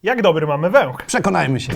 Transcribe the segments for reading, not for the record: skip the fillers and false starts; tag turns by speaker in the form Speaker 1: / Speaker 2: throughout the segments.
Speaker 1: Jak dobry mamy węch?
Speaker 2: Przekonajmy się.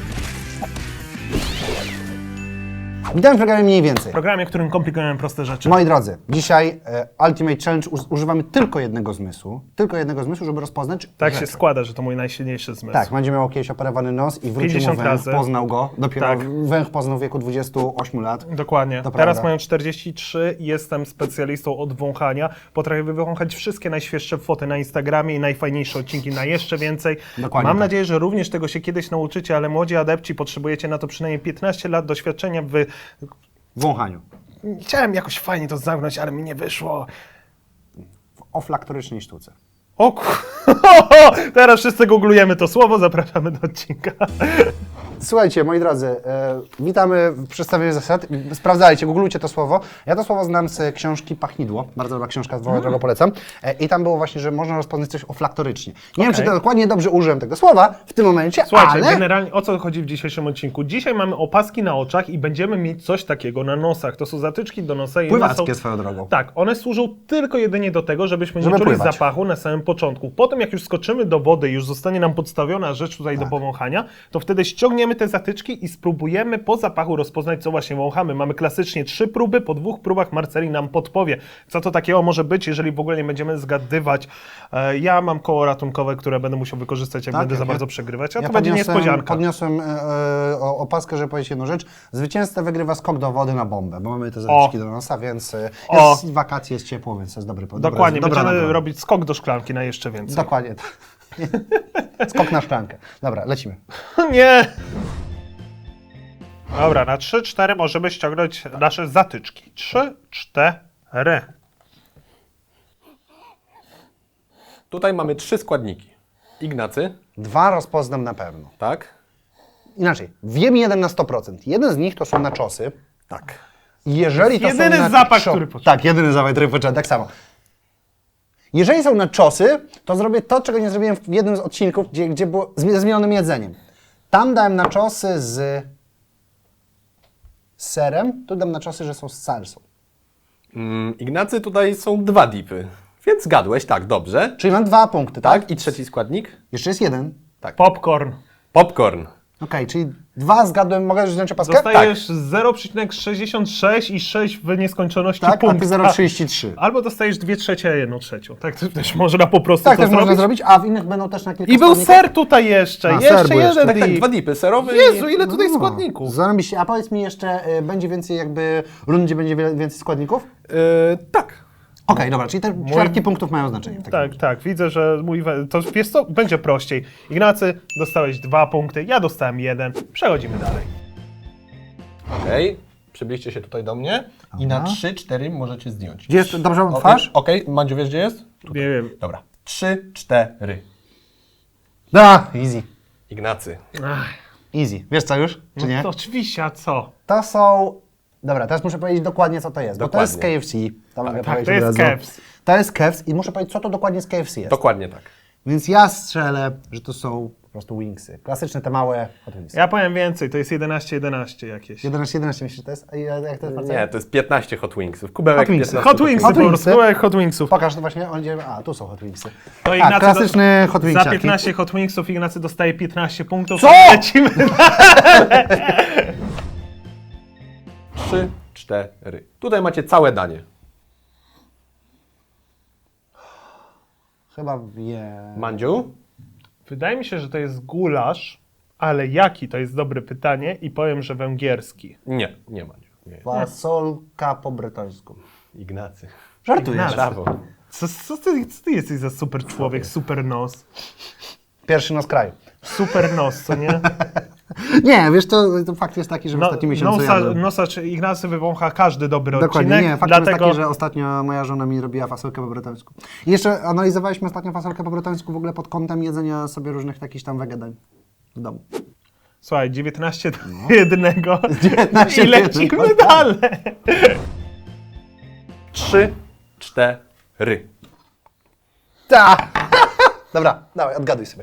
Speaker 2: Witam w programie Mniej Więcej.
Speaker 1: W programie, w którym komplikujemy proste rzeczy.
Speaker 2: Moi drodzy, dzisiaj Ultimate Challenge używamy tylko jednego zmysłu. Tylko jednego zmysłu, żeby rozpoznać
Speaker 1: Tak
Speaker 2: rzeczy.
Speaker 1: się składa, że to mój najsilniejszy zmysł.
Speaker 2: Tak, będzie miał kiedyś operowany nos i wrócił mu
Speaker 1: 50
Speaker 2: węch,
Speaker 1: razy.
Speaker 2: poznał go. Dopiero
Speaker 1: Tak.
Speaker 2: węch poznał w wieku 28 lat.
Speaker 1: Dokładnie.
Speaker 2: To
Speaker 1: Teraz
Speaker 2: prawda.
Speaker 1: mają 43, jestem specjalistą od wąchania. Potrafię wywąchać wszystkie najświeższe foty na Instagramie i najfajniejsze odcinki na jeszcze więcej.
Speaker 2: Dokładnie
Speaker 1: Mam
Speaker 2: tak.
Speaker 1: nadzieję, że również tego się kiedyś nauczycie, ale młodzi adepci potrzebujecie na to przynajmniej 15 lat doświadczenia w...
Speaker 2: W wąchaniu.
Speaker 1: Chciałem jakoś fajnie to zamknąć, ale mi nie wyszło.
Speaker 2: W oflaktorycznej sztuce.
Speaker 1: O teraz wszyscy googlujemy to słowo, zapraszamy do odcinka.
Speaker 2: Słuchajcie, moi drodzy, witamy w przedstawieniu zasad. Sprawdzajcie, googlujcie to słowo. Ja to słowo znam z książki Pachnidło. Bardzo dobra książka, którą polecam. I tam było właśnie, że można rozpoznać coś oflaktorycznie. Nie wiem, czy to dokładnie dobrze użyłem tego słowa w tym momencie,
Speaker 1: Słuchajcie,
Speaker 2: ale...
Speaker 1: generalnie o co chodzi w dzisiejszym odcinku? Dzisiaj mamy opaski na oczach i będziemy mieć coś takiego na nosach. To są zatyczki do nosa. I one
Speaker 2: Pływackie
Speaker 1: są...
Speaker 2: swoją drogą.
Speaker 1: Tak, one służą tylko jedynie do tego, żebyśmy
Speaker 2: Żeby
Speaker 1: nie czuli
Speaker 2: pływać.
Speaker 1: zapachu na samym początku. Potem jak już skoczymy do wody i już zostanie nam podstawiona rzecz tutaj
Speaker 2: Tak.
Speaker 1: do powąchania, to wtedy ściągniemy te zatyczki i spróbujemy po zapachu rozpoznać, co właśnie wąchamy. Mamy klasycznie 3 próby, po 2 próbach Marceli nam podpowie, co to takiego może być, jeżeli w ogóle nie będziemy zgadywać. Ja mam koło ratunkowe, które będę musiał wykorzystać, jak
Speaker 2: Tak,
Speaker 1: będę za
Speaker 2: ja-
Speaker 1: bardzo przegrywać, a
Speaker 2: Ja
Speaker 1: to będzie niespodzianka.
Speaker 2: Podniosłem opaskę, żeby powiedzieć jedną rzecz. Zwycięzca wygrywa skok do wody na bombę, bo mamy te zatyczki do nosa, więc jest wakacje, jest ciepło, więc to jest dobry pomysł.
Speaker 1: Dokładnie, będziemy robić skok do szklanki na jeszcze więcej.
Speaker 2: Dokładnie. Skok na szklankę. Dobra, lecimy.
Speaker 1: Nie! Dobra, na 3-4 możemy ściągnąć nasze zatyczki. 3-4.
Speaker 3: Tutaj mamy 3 składniki. Ignacy,
Speaker 2: 2 rozpoznam na pewno.
Speaker 3: tak?
Speaker 2: Inaczej, wiem jeden na 100%. Jeden z nich to są naczosy.
Speaker 3: Tak.
Speaker 2: Jeżeli to są
Speaker 1: jedyny zapach, który poczułem.
Speaker 2: Tak, jedyny zapach, który poczułem, tak samo. Jeżeli są naczosy, to zrobię to, czego nie zrobiłem w jednym z odcinków, gdzie było ze zmienionym jedzeniem. Tam dałem naczosy z serem, tu dam naczosy, że są z salsą.
Speaker 3: Ignacy, tutaj są 2 dipy. Więc zgadłeś, tak, dobrze.
Speaker 2: Czyli mam 2 punkty, tak?
Speaker 3: Tak, i trzeci składnik?
Speaker 2: Jeszcze jest jeden.
Speaker 3: Tak.
Speaker 1: Popcorn.
Speaker 3: Popcorn.
Speaker 2: Okej, czyli 2 zgadłem, mogę już wziąć opaskę?
Speaker 1: Dostajesz 0,66 i 6 w nieskończoności
Speaker 2: Tak, a ty
Speaker 1: punktów.
Speaker 2: 0,33.
Speaker 1: Albo dostajesz 2/3, a 1/3. Tak to też można po prostu
Speaker 2: Tak,
Speaker 1: to
Speaker 2: też można
Speaker 1: zrobić.
Speaker 2: zrobić, a w innych będą też na kilka
Speaker 1: I był
Speaker 2: składników.
Speaker 1: ser tutaj jeszcze.
Speaker 2: A, ser
Speaker 1: Jeszcze
Speaker 2: był jeszcze.
Speaker 1: jeden
Speaker 3: Tak, tak,
Speaker 1: dip.
Speaker 3: 2 dipy, serowy.
Speaker 1: Jezu, ile tutaj
Speaker 2: No,
Speaker 1: składników.
Speaker 2: Zarobiście. A powiedz mi jeszcze, będzie więcej jakby rund, gdzie będzie więcej składników?
Speaker 3: Tak.
Speaker 2: Okej, dobra, czyli te ćwiartki punktów mają znaczenie. w takim
Speaker 1: Tak, tak, widzę, że to wiesz co, będzie prościej. Ignacy, dostałeś 2 punkty, ja dostałem 1. Przechodzimy dalej.
Speaker 3: Okej. Przybliżcie się tutaj do mnie i na 3-4 możecie zdjąć.
Speaker 2: Gdzie jest, dobrze mam twarz?
Speaker 3: Okej, Mandziu, wiesz gdzie jest?
Speaker 1: Nie wiem.
Speaker 3: Dobra. 3-4.
Speaker 2: Da, easy.
Speaker 3: Ignacy.
Speaker 2: Easy. Wiesz co już, czy nie?
Speaker 1: To oczywiście, a co?
Speaker 2: To są... Dobra, teraz muszę powiedzieć dokładnie, co to jest, bo to jest z
Speaker 3: Dokładnie.
Speaker 2: KFC. To mogę
Speaker 1: Tak,
Speaker 2: powiedzieć
Speaker 1: to jest
Speaker 2: od razu.
Speaker 1: KFC.
Speaker 2: To jest KFC i muszę powiedzieć, co to dokładnie z KFC jest.
Speaker 3: Dokładnie tak.
Speaker 2: Więc ja strzelę, że to są po prostu wingsy. Klasyczne, te małe hot wingsy.
Speaker 1: Ja powiem więcej, to jest 11-11 jakieś.
Speaker 2: 11 myślisz, że to jest? A jak to jest
Speaker 3: Nie, to jest 15 Hot Wingsów. Kubełek
Speaker 2: Hot Wingsy.
Speaker 3: 15
Speaker 1: Hot Wingsy po
Speaker 2: Wingsy.
Speaker 1: prostu, były Hot Wingsów.
Speaker 2: Pokaż to właśnie, on idzie... A, tu są hot wingsy.
Speaker 1: To
Speaker 2: A,
Speaker 1: Ignacy
Speaker 2: klasyczny hot
Speaker 1: Za
Speaker 2: wingsiaki.
Speaker 1: 15 Hot Wingsów Ignacy dostaje 15 punktów.
Speaker 2: Co?
Speaker 1: Lecimy.
Speaker 3: 3-4. Tutaj macie całe danie.
Speaker 2: Chyba wiem.
Speaker 3: Mandziu?
Speaker 1: Wydaje mi się, że to jest gulasz, ale jaki to jest dobre pytanie i powiem, że węgierski.
Speaker 3: Nie, nie Mandziu. Nie.
Speaker 2: Fasolka po bretońsku.
Speaker 3: Ignacy.
Speaker 2: Żartujesz.
Speaker 1: Ignacy.
Speaker 3: Brawo.
Speaker 1: Co ty jesteś za super człowiek, super nos?
Speaker 2: Pierwszy nos kraju.
Speaker 1: Super nos, co nie?
Speaker 2: Nie, wiesz, to fakt jest taki, że w ostatnim miesiącu jadłem.
Speaker 1: Nosa czy Ignacy wywącha każdy dobry
Speaker 2: Dokładnie,
Speaker 1: odcinek.
Speaker 2: nie, fakt
Speaker 1: dlatego...
Speaker 2: jest taki, że ostatnio moja żona mi robiła fasolkę po bretońsku. I jeszcze analizowaliśmy ostatnio fasolkę po bretońsku w ogóle pod kątem jedzenia sobie różnych takich tam wegadań w domu.
Speaker 1: Słuchaj, 19 do 1
Speaker 2: 19
Speaker 1: i
Speaker 2: do
Speaker 1: lecimy
Speaker 2: jednego.
Speaker 1: dalej.
Speaker 3: 3-4.
Speaker 2: Ta! Dobra, dawaj, odgaduj sobie.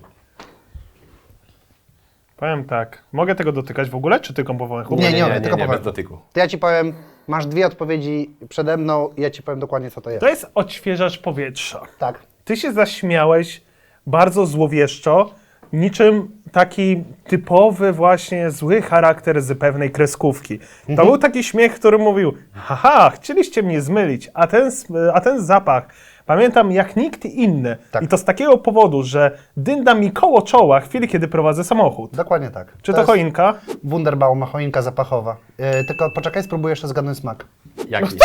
Speaker 1: Powiem tak, mogę tego dotykać w ogóle, czy tylko po wąchu?
Speaker 2: Nie, nie, tylko
Speaker 3: nie,
Speaker 2: powiem.
Speaker 3: bez dotyku.
Speaker 2: To ja ci powiem, masz 2 odpowiedzi przede mną i ja ci powiem dokładnie, co to jest.
Speaker 1: To jest odświeżacz powietrza.
Speaker 2: Tak.
Speaker 1: Ty się zaśmiałeś bardzo złowieszczo, niczym taki typowy właśnie zły charakter z pewnej kreskówki. To był taki śmiech, który mówił, haha, chcieliście mnie zmylić, a ten zapach pamiętam jak nikt inny.
Speaker 2: Tak.
Speaker 1: I to z takiego powodu, że dynda mi koło czoła w chwili, kiedy prowadzę samochód.
Speaker 2: Dokładnie tak.
Speaker 1: Czy to
Speaker 2: jest
Speaker 1: choinka?
Speaker 2: Wunderbaum, choinka zapachowa. Tylko poczekaj, spróbuję jeszcze zgadnąć smak.
Speaker 3: Jaki?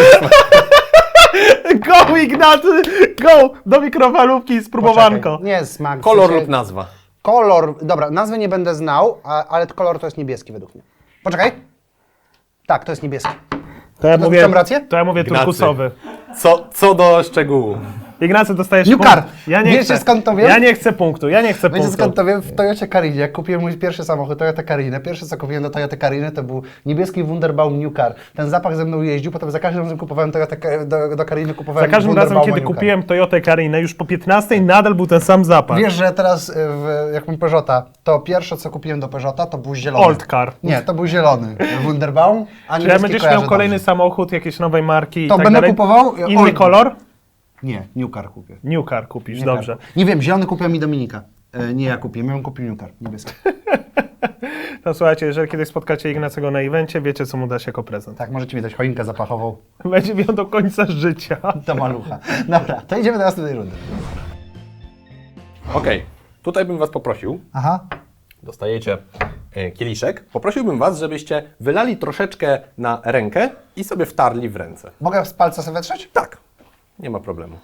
Speaker 1: Go Ignacy, go! Do mikrofalówki i spróbowanko.
Speaker 2: Poczekaj. Nie smak. w
Speaker 3: Kolor
Speaker 2: sensie-
Speaker 3: lub nazwa.
Speaker 2: Kolor, dobra, nazwy nie będę znał, ale kolor to jest niebieski według mnie. Poczekaj. Tak, to jest niebieski.
Speaker 1: To ja
Speaker 2: To
Speaker 1: mówię,
Speaker 2: mam rację?
Speaker 1: to ja mówię
Speaker 3: Ignacy.
Speaker 1: turkusowy.
Speaker 3: Co do szczegółu.
Speaker 1: Ignacy, dostajesz
Speaker 2: New
Speaker 1: punkt.
Speaker 2: car. Wiecie, skąd to wiem?
Speaker 1: Ja nie chcę punktu,
Speaker 2: Wiecie
Speaker 1: punktu.
Speaker 2: skąd to wiem? W Toyocie Carinie. Jak kupiłem mój pierwszy samochód, Toyota Carinę, pierwsze co kupiłem do Toyota Cariny to był niebieski Wunderbaum New Car. Ten zapach ze mną jeździł, potem za każdym razem kupowałem do Cariny, kupowałem
Speaker 1: Za każdym razem,
Speaker 2: Wunderbauma
Speaker 1: kiedy
Speaker 2: New Car.
Speaker 1: kupiłem Toyotę Carinę, już po 15 nadal był ten sam zapach.
Speaker 2: Wiesz, że teraz jak mam Peugeota, to pierwsze co kupiłem do Peugeota to był zielony.
Speaker 1: Old car.
Speaker 2: Nie, to był zielony Wunderbaum, a
Speaker 1: Czy jak
Speaker 2: niebieski
Speaker 1: będziesz
Speaker 2: kojarzę
Speaker 1: miał kolejny
Speaker 2: dobrze.
Speaker 1: samochód jakiejś nowej marki i
Speaker 2: To
Speaker 1: tak
Speaker 2: będę
Speaker 1: dalej,
Speaker 2: kupował
Speaker 1: inny
Speaker 2: Old.
Speaker 1: kolor?
Speaker 2: Nie, New Car kupię.
Speaker 1: New car kupisz,
Speaker 2: New
Speaker 1: dobrze.
Speaker 2: Car. Nie wiem, zielony kupiła mi Dominika. Nie ja kupiłem, ja bym kupił New Car, niebieski.
Speaker 1: To słuchajcie, jeżeli kiedyś spotkacie Ignacego na evencie, wiecie co mu dać jako prezent.
Speaker 2: Tak, możecie mi dać choinkę zapachową
Speaker 1: Będzie miał do końca życia.
Speaker 2: do malucha. Dobra, to idziemy do następnej rundy.
Speaker 3: Okej, tutaj bym was poprosił,
Speaker 2: Aha.
Speaker 3: dostajecie kieliszek, poprosiłbym was, żebyście wylali troszeczkę na rękę i sobie wtarli w ręce.
Speaker 2: Mogę z palca sobie wetrzeć?
Speaker 3: Tak, nie ma problemu.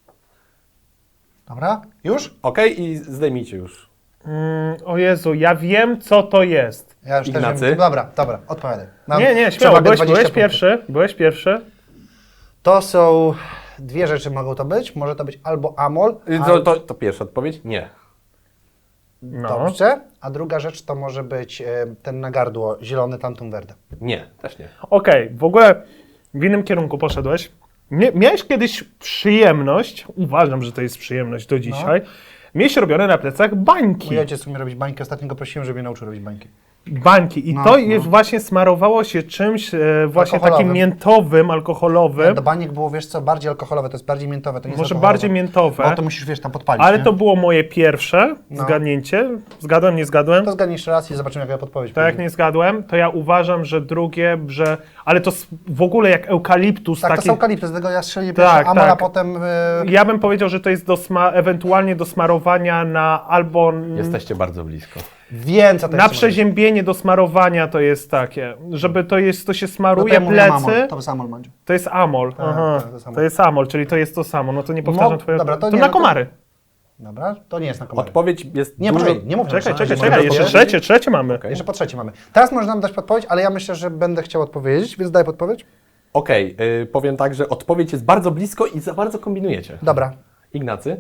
Speaker 2: Dobra, już?
Speaker 3: Okej, i zdejmijcie już.
Speaker 1: O Jezu, ja wiem co to jest.
Speaker 2: Ja już
Speaker 3: Ignacy?
Speaker 2: też wiem. Dobra, odpowiadaj. Mam
Speaker 1: Nie, śmiało,
Speaker 2: przewagę
Speaker 1: byłeś
Speaker 2: 20 punktów.
Speaker 1: pierwszy, byłeś pierwszy.
Speaker 2: To są dwie rzeczy mogą to być. Może to być albo amol,
Speaker 3: To pierwsza odpowiedź? Nie.
Speaker 1: No.
Speaker 2: dobrze, a druga rzecz to może być ten na gardło, zielony Tantum Verde.
Speaker 3: Nie, też nie.
Speaker 1: Okej, w ogóle w innym kierunku poszedłeś. Miałeś kiedyś przyjemność, uważam, że to jest przyjemność do dzisiaj, mieć robione na plecach bańki.
Speaker 2: Mój ojciec umie robić bańki, ostatnio go prosiłem, żeby mnie nauczył robić bańki.
Speaker 1: Bańki. I
Speaker 2: No,
Speaker 1: to
Speaker 2: no.
Speaker 1: jest właśnie smarowało się czymś właśnie
Speaker 2: Alkoholowym.
Speaker 1: takim miętowym, alkoholowym.
Speaker 2: Do baniek było, wiesz co, bardziej alkoholowe, to jest bardziej miętowe, to nie jest
Speaker 1: Może
Speaker 2: alkoholowe.
Speaker 1: bardziej miętowe.
Speaker 2: Bo to musisz, wiesz, tam podpalić,
Speaker 1: Ale
Speaker 2: nie?
Speaker 1: to było moje pierwsze
Speaker 2: No.
Speaker 1: zgadnięcie. Zgadłem, nie zgadłem?
Speaker 2: To zgadnij jeszcze raz i zobaczymy, jaka podpowiedź
Speaker 1: To jak
Speaker 2: będzie.
Speaker 1: nie zgadłem, to ja uważam, że drugie, że... Ale to w ogóle jak eukaliptus
Speaker 2: Tak,
Speaker 1: taki...
Speaker 2: to są kalipty, z tego ja strzeliłem
Speaker 1: Tak,
Speaker 2: pierwszy amol, a
Speaker 1: tak.
Speaker 2: potem...
Speaker 1: Ja bym powiedział, że to jest ewentualnie do smarowania na albo...
Speaker 3: Jesteście bardzo blisko.
Speaker 2: Wiem, co to
Speaker 1: Na
Speaker 2: jest.
Speaker 1: przeziębienie do smarowania to jest takie, żeby to się smaruje plecy,
Speaker 2: To jest amol, Mandziu.
Speaker 1: to jest amol. Aha,
Speaker 2: to jest amol.
Speaker 1: to jest amol, czyli to jest to samo. No to nie powtarzam
Speaker 2: No,
Speaker 1: twojego...
Speaker 2: dobra, to
Speaker 1: to
Speaker 2: nie,
Speaker 1: na
Speaker 2: no to-
Speaker 1: komary.
Speaker 2: Dobra, to nie jest na komary.
Speaker 3: Odpowiedź jest
Speaker 2: Nie,
Speaker 3: dużo...
Speaker 2: poczekaj, nie mów.
Speaker 1: Czekaj,
Speaker 2: jeszcze
Speaker 1: trzecie mamy.
Speaker 3: Okej.
Speaker 2: Jeszcze po trzecie mamy. Teraz możesz nam dać podpowiedź, ale ja myślę, że będę chciał odpowiedzieć, więc daj podpowiedź.
Speaker 3: Okej, powiem tak, że odpowiedź jest bardzo blisko i za bardzo kombinujecie.
Speaker 2: Dobra.
Speaker 3: Ignacy?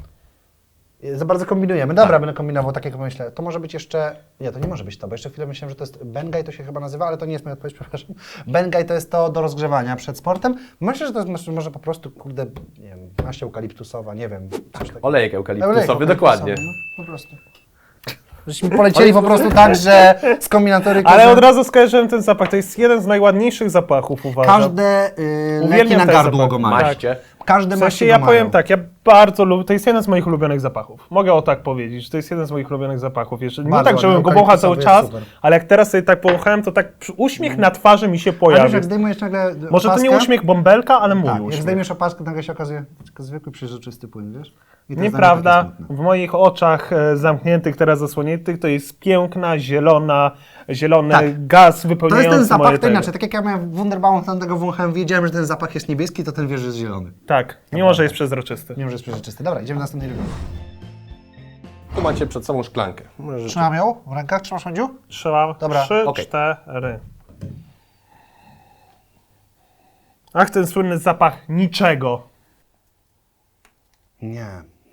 Speaker 2: Za bardzo kombinujemy. Dobra, będę kombinował, tak jak myślę. To może być jeszcze... Nie, to nie może być to, bo jeszcze chwilę myślałem, że to jest Bengay, to się chyba nazywa, ale to nie jest moja odpowiedź, przepraszam. Bengay to jest to do rozgrzewania przed sportem. Myślę, że to jest może po prostu, kurde, nie wiem, maść eukaliptusowa, nie wiem, coś takiego.
Speaker 3: Olejek eukaliptusowy, dokładnie.
Speaker 2: No, po prostu. Żeśmy polecieli po prostu tak, że z kombinatoryką...
Speaker 1: Ale
Speaker 2: że
Speaker 1: od razu skojarzyłem ten zapach. To jest jeden z najładniejszych zapachów, uważam.
Speaker 2: Każde leki
Speaker 1: Uwielbiam
Speaker 2: na
Speaker 1: ten
Speaker 2: gardło
Speaker 1: zapach.
Speaker 2: go mają.
Speaker 3: Maście.
Speaker 2: Każde
Speaker 1: W
Speaker 2: maści
Speaker 1: sensie
Speaker 2: go
Speaker 1: ja
Speaker 2: mają.
Speaker 1: powiem tak, ja bardzo lubię, to jest jeden z moich ulubionych zapachów. Mogę o tak powiedzieć, że to jest jeden z moich ulubionych zapachów. Jeszcze, nie
Speaker 2: Bardzo
Speaker 1: tak, żebym
Speaker 2: ładny,
Speaker 1: go wąchał cały
Speaker 2: eukaliptusowy
Speaker 1: czas,
Speaker 2: jest super.
Speaker 1: ale jak teraz sobie tak powąchałem, to tak uśmiech na twarzy mi się
Speaker 2: Ale wiesz,
Speaker 1: pojawił.
Speaker 2: jak zdejmujesz nagle
Speaker 1: Może to nie
Speaker 2: opaskę,
Speaker 1: uśmiech bąbelka, ale mój
Speaker 2: tak, jak
Speaker 1: uśmiech.
Speaker 2: zdejmiesz opaskę, nagle się okazuje tylko zwykły, przezroczysty płyn, wiesz? I to jest
Speaker 1: Nieprawda,
Speaker 2: dla mnie takie smutne.
Speaker 1: w moich oczach zamkniętych, teraz zasłoniętych, to jest piękna, zielony
Speaker 2: Tak.
Speaker 1: gaz
Speaker 2: To
Speaker 1: wypełniający
Speaker 2: jest ten zapach,
Speaker 1: moje
Speaker 2: to
Speaker 1: tego.
Speaker 2: inaczej. Tak jak ja miałem Wunderbaum, tego wąchałem, wiedziałem, że ten zapach jest niebieski, to ten wiesz, że jest zielony.
Speaker 1: Tak, mimo że jest przezroczysty.
Speaker 2: Nie wiem, że jest przezroczysty. Dobra, idziemy do następnej rundy.
Speaker 3: Tu macie przed sobą szklankę. Możecie...
Speaker 2: Trzymam ją w rękach, trzymasz, Mandziu?
Speaker 1: Trzeba
Speaker 2: Dobra,
Speaker 1: 3,
Speaker 3: okej.
Speaker 1: 4. Ach, ten słynny zapach niczego.
Speaker 2: Nie.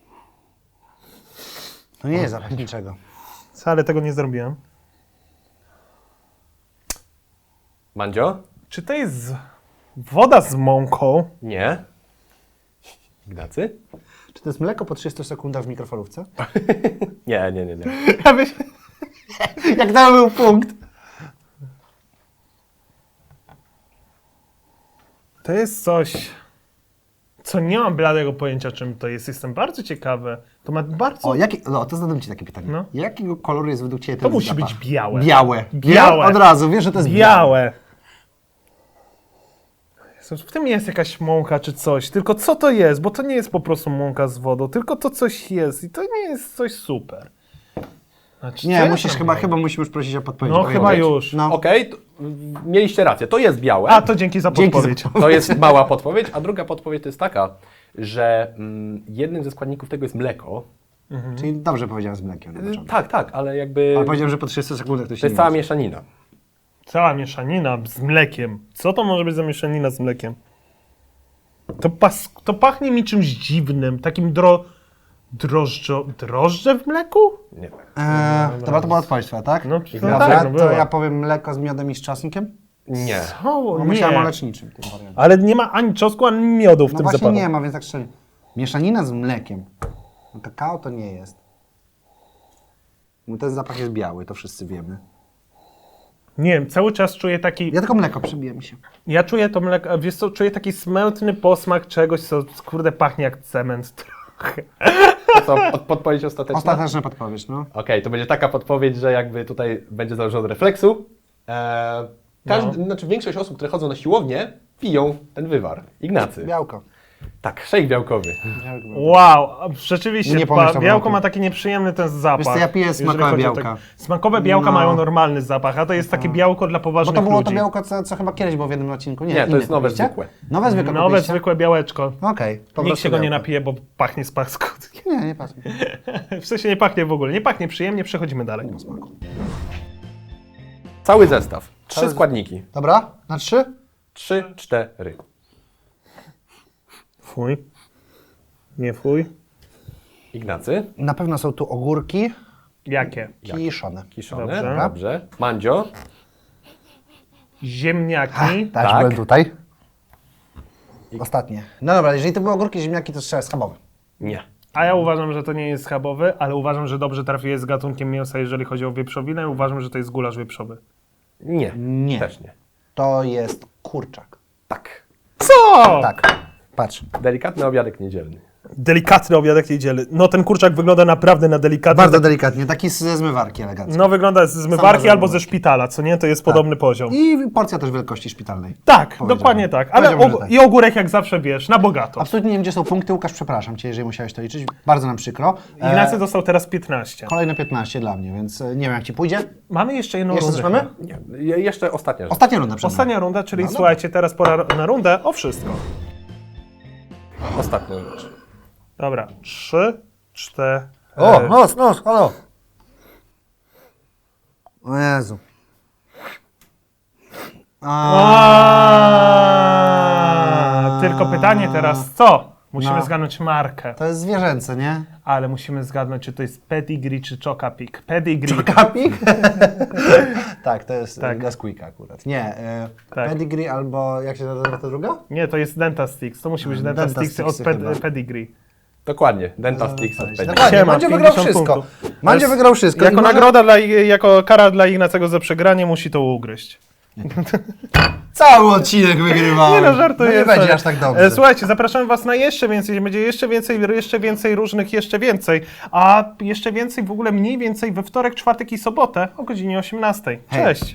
Speaker 2: To nie jest zapach niczego.
Speaker 1: Wcale tego nie zrobiłem.
Speaker 3: Mandzio?
Speaker 1: Czy to jest woda z mąką?
Speaker 3: Nie. Ignacy?
Speaker 2: Czy to jest mleko po 30 sekundach w mikrofalówce?
Speaker 3: Nie.
Speaker 1: Ja byś...
Speaker 2: Jak tam był punkt?
Speaker 1: To jest coś... Co, nie mam bladego pojęcia, czym to jest. Jestem bardzo ciekawy. To ma bardzo...
Speaker 2: To zadam Ci takie pytanie.
Speaker 1: No.
Speaker 2: Jakiego koloru jest według Ciebie
Speaker 1: To
Speaker 2: ten
Speaker 1: musi
Speaker 2: zapach?
Speaker 1: być białe.
Speaker 2: Białe.
Speaker 1: Białe.
Speaker 2: Nie? Od razu, wiesz, że to jest
Speaker 1: Białe. Jezus, w tym jest jakaś mąka czy coś. Tylko co to jest? Bo to nie jest po prostu mąka z wodą, tylko to coś jest i to nie jest coś super. Znaczy,
Speaker 2: Nie,
Speaker 1: co ja
Speaker 2: musisz
Speaker 1: tam wiem?
Speaker 2: chyba musimy już prosić o podpowiedź.
Speaker 1: No,
Speaker 2: Odpowiedź.
Speaker 1: chyba już.
Speaker 2: No.
Speaker 3: Okej, mieliście rację, to jest białe.
Speaker 1: A, to dzięki za
Speaker 2: Dzięki za
Speaker 1: podpowiedź.
Speaker 3: To jest mała podpowiedź, a druga podpowiedź to jest taka, że jednym ze składników tego jest mleko.
Speaker 2: Czyli dobrze powiedziałem z mlekiem na początku.
Speaker 3: Tak, ale jakby
Speaker 2: Ale powiedziałem, że po 30 sekundach to się
Speaker 3: to jest
Speaker 2: nie
Speaker 3: cała
Speaker 2: liczy.
Speaker 3: mieszanina.
Speaker 1: Cała mieszanina z mlekiem. Co to może być za mieszanina z mlekiem? To pachnie mi czymś dziwnym, takim drożdże w mleku?
Speaker 3: Nie.
Speaker 2: Dobra, to była odpowiedź twoja, tak?
Speaker 1: No,
Speaker 2: Dobra,
Speaker 1: tak, no
Speaker 2: to
Speaker 1: była.
Speaker 2: ja powiem mleko z miodem i z czosnkiem?
Speaker 3: Nie.
Speaker 1: O,
Speaker 2: Bo
Speaker 1: nie.
Speaker 2: myślałem o leczniczym tym wariancie.
Speaker 1: Ale nie ma ani czosnku, ani miodu w
Speaker 2: No
Speaker 1: tym
Speaker 2: właśnie
Speaker 1: zapachu.
Speaker 2: nie ma, więc tak szczerze. Mieszanina z mlekiem. No kakao to nie jest. No ten zapach jest biały, to wszyscy wiemy.
Speaker 1: Nie wiem, cały czas czuję taki...
Speaker 2: Ja tylko mleko przebije mi się.
Speaker 1: Ja czuję to mleko, wiesz co, czuję taki smętny posmak czegoś, co kurde pachnie jak cement trochę.
Speaker 3: To co, podpowiedź ostateczna?
Speaker 2: Ostateczna podpowiedź, no.
Speaker 3: Okej, to będzie taka podpowiedź, że jakby tutaj będzie zależało od refleksu. Znaczy większość osób, które chodzą na siłownię, piją ten wywar. Ignacy.
Speaker 2: Białko.
Speaker 3: Tak, szejk białkowy.
Speaker 1: Wow, rzeczywiście,
Speaker 2: Nie pomyślałem o
Speaker 1: białko
Speaker 2: tym.
Speaker 1: ma taki nieprzyjemny ten zapach.
Speaker 2: Wiesz co, ja piję
Speaker 1: jeżeli
Speaker 2: smakowe
Speaker 1: chodzi o
Speaker 2: białka.
Speaker 1: Smakowe białka
Speaker 2: No.
Speaker 1: mają normalny zapach, a to jest takie białko dla
Speaker 2: Bo
Speaker 1: poważnych
Speaker 2: to było
Speaker 1: ludzi.
Speaker 2: to białko, co chyba kiedyś było w jednym odcinku. Nie,
Speaker 3: Nie, to
Speaker 2: inne
Speaker 3: jest nowe
Speaker 2: kupiliście?
Speaker 3: zwykłe.
Speaker 2: Nowe zwykłe
Speaker 1: Nowe,
Speaker 2: kupiliście?
Speaker 1: zwykłe białeczko.
Speaker 2: Okej. po
Speaker 1: Nikt
Speaker 2: prostu
Speaker 1: się go nie
Speaker 2: białko.
Speaker 1: napije, bo pachnie z paskudnie.
Speaker 2: Nie, nie pasuje.
Speaker 1: W sensie nie pachnie w ogóle, nie pachnie przyjemnie, przechodzimy dalej.
Speaker 3: Cały zestaw. 3 składniki.
Speaker 2: Dobra, na 3?
Speaker 3: 3, 4.
Speaker 1: Fuj. Nie fuj.
Speaker 3: Ignacy.
Speaker 2: Na pewno są tu ogórki
Speaker 1: Jakie?
Speaker 2: kiszone.
Speaker 3: Kiszone.
Speaker 1: Dobrze.
Speaker 3: Dobrze. Mandzio.
Speaker 1: Ziemniaki.
Speaker 2: Tak,
Speaker 3: Tak.
Speaker 2: byłem tutaj. Ostatnie. No dobra, jeżeli to były ogórki, ziemniaki, to strzela schabowy.
Speaker 3: Nie.
Speaker 1: A ja uważam, że to nie jest schabowy, ale uważam, że dobrze trafiłeś z gatunkiem mięsa, jeżeli chodzi o wieprzowinę. I uważam, że to jest gulasz wieprzowy.
Speaker 3: Nie.
Speaker 2: Nie.
Speaker 3: Też nie.
Speaker 2: To jest kurczak.
Speaker 3: Tak.
Speaker 1: Co?
Speaker 2: Tak, patrz.
Speaker 3: Delikatny obiadek niedzielny.
Speaker 1: Delikatny obiadek niedzielny. No ten kurczak wygląda naprawdę na delikatny.
Speaker 2: Bardzo delikatnie, taki ze zmywarki elegancko.
Speaker 1: No wygląda z zmywarki
Speaker 2: Sama
Speaker 1: albo ze
Speaker 2: zmywarki.
Speaker 1: szpitala, co nie? To jest podobny poziom.
Speaker 2: I porcja też wielkości szpitalnej.
Speaker 1: Tak,
Speaker 2: Powiedziałbym.
Speaker 1: dokładnie tak. Ale
Speaker 2: Powiedziałbym, że tak.
Speaker 1: i ogórek jak zawsze wiesz, na bogato.
Speaker 2: Absolutnie nie wiem, gdzie są punkty. Łukasz, przepraszam Cię, jeżeli musiałeś to liczyć. Bardzo nam przykro.
Speaker 1: Ignacy dostał teraz 15.
Speaker 2: Kolejne 15 dla mnie, więc nie wiem, jak Ci pójdzie.
Speaker 1: Mamy jeszcze jedną
Speaker 2: Jeszcze
Speaker 1: rundę.
Speaker 2: coś mamy?
Speaker 3: Nie. Jeszcze ostatnia rzecz.
Speaker 2: Ostatnia runda przed nami.
Speaker 1: Ostatnia runda, czyli
Speaker 2: No dobra.
Speaker 1: słuchajcie, teraz pora na rundę o wszystko.
Speaker 3: Ostatnia rzecz.
Speaker 1: Dobra, 3, 4.
Speaker 2: O, nos, halo. O Jezu.
Speaker 1: Tylko pytanie teraz, co? Musimy
Speaker 2: No.
Speaker 1: zgadnąć markę,
Speaker 2: To jest zwierzęce, nie?
Speaker 1: ale musimy zgadnąć, czy to jest Pedigree czy Chocapik. Pedigree.
Speaker 2: Kapik? tak, to jest
Speaker 1: Tak.
Speaker 2: Gasquika akurat. Nie,
Speaker 1: Tak.
Speaker 2: Pedigree albo jak się nazywa ta druga?
Speaker 1: Nie, to jest Dentastix. To musi być
Speaker 2: Dentastixy
Speaker 1: Dentastix od
Speaker 2: chyba.
Speaker 1: Pedigree.
Speaker 3: Dokładnie. Dentastix od Pedigree.
Speaker 2: Dokładnie,
Speaker 1: Siema,
Speaker 2: Mandzio wygrał
Speaker 1: 50
Speaker 2: wszystko.
Speaker 1: punktów.
Speaker 2: Mandzio wygrał wszystko.
Speaker 1: Jako
Speaker 2: I może-
Speaker 1: nagroda, jako kara dla Ignacego za przegranie musi to ugryźć.
Speaker 2: Cały odcinek wygrywamy.
Speaker 1: Nie no, żartuję.
Speaker 2: No nie
Speaker 1: sorry.
Speaker 2: będzie aż tak dobrze.
Speaker 1: Słuchajcie, zapraszamy Was na jeszcze więcej. Będzie jeszcze więcej różnych, jeszcze więcej. A jeszcze więcej w ogóle mniej więcej we wtorek, czwartek i sobotę o godzinie 18.
Speaker 2: Hej,
Speaker 1: Cześć!